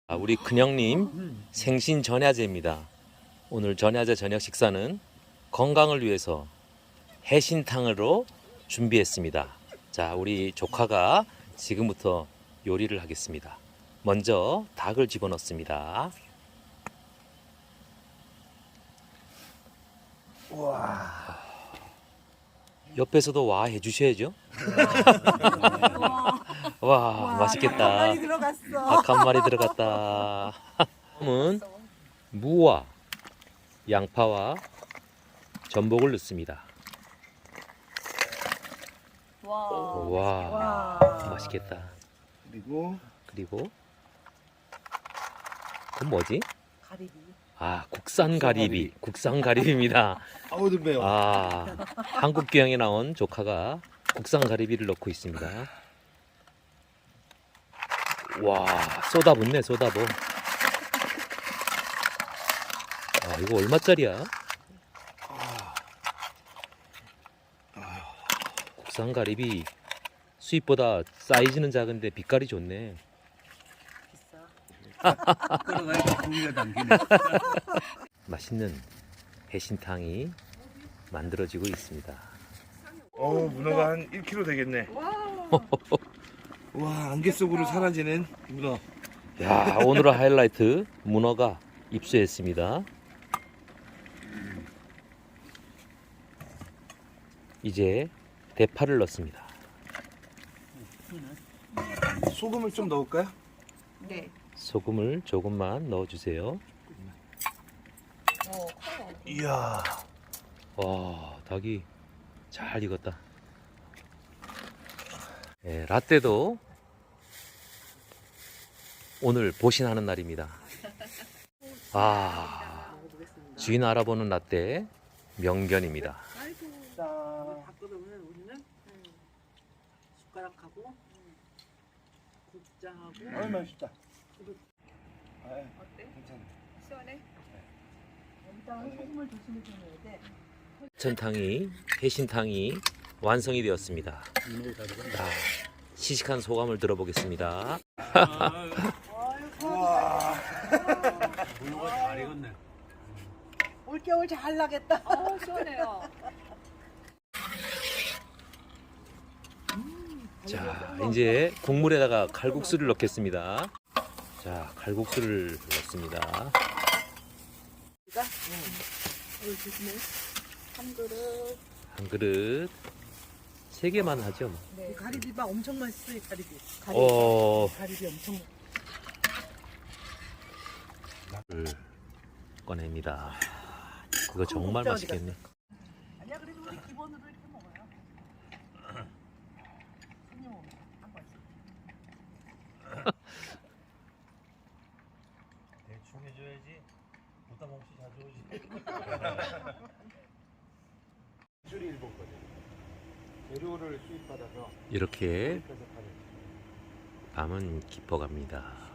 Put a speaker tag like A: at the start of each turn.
A: 우리 큰형님 생신 전야제입니다. 오늘 전야제 저녁 식사는 건강을 위해서 해신탕으로 준비했습니다. 자, 우리 조카가 지금부터 요리를 하겠습니다. 먼저 닭을 집어넣습니다.
B: 우와.
A: 옆에서도 와 해주셔야죠. 와, 맛있겠다.
B: 한 마리 들어갔어.
A: 닭 한 마리 들어갔다. 다음은 무와 양파와 전복을 넣습니다. 와, 맛있겠다.
B: 그리고
A: 그건 뭐지?
B: 가리비.
A: 국산 가리비. 국산 가리비입니다.
B: 아우 매워.
A: 한국 귀향에 나온 조카가 국산 가리비를 넣고 있습니다. 와, 쏟아붓네, 쏟아부. 이거 얼마짜리야? 국산 가리비 수입보다 사이즈는 작은데 빛깔이 좋네.
C: 끌어가니까 고기가 당기네.
A: 맛있는 해신탕이 만들어지고 있습니다.
B: 문어가 한 1kg 되겠네. 와, 안개 속으로 사라지는 문어.
A: 야, 오늘의 하이라이트 문어가 입수했습니다. 이제 대파를 넣습니다.
B: 소금을 좀 넣을까요?
D: 네.
A: 소금을 조금만 넣어주세요.
B: 이야.
A: 와, 닭이 잘 익었다. 네, 라떼도 오늘 보신하는 날입니다. 주인 알아보는 라떼 명견입니다.
D: 바꾸면 우리는 숟가락하고 국장하고.
B: 맛있다.
D: 어때?
B: 괜찮아.
D: 시원해? 여기다가 소금을 조심히 좀 넣어야 돼.
A: 해천탕이, 해신탕이 완성이 되었습니다. 시식한 소감을 들어보겠습니다.
B: 우와.
C: 문어가 잘 익었네.
D: 올겨울 잘 나겠다. 시원해요.
A: 자, 이제 국물에다가 칼국수를 넣겠습니다. 자, 칼국수를 넣습니다.
D: 조심해. 한 그릇.
A: 한 그릇 3개만 하죠. 뭐.
D: 네.
B: 가리비가 엄청 맛있어, 이 가리비.
D: 가리비 엄청.
A: 를 꺼냅니다. 이거 정말 맛있겠네.
D: 아니야, 그래도 우리 기본으로 이렇게 먹어요. 손님 오면 한 번씩.
C: 대충 해줘야지. 부담 없이 자주 오지. 줄이 일본거든. 재료를 수입받아서
A: 이렇게
C: 그래서 파는.
A: 밤은 깊어갑니다.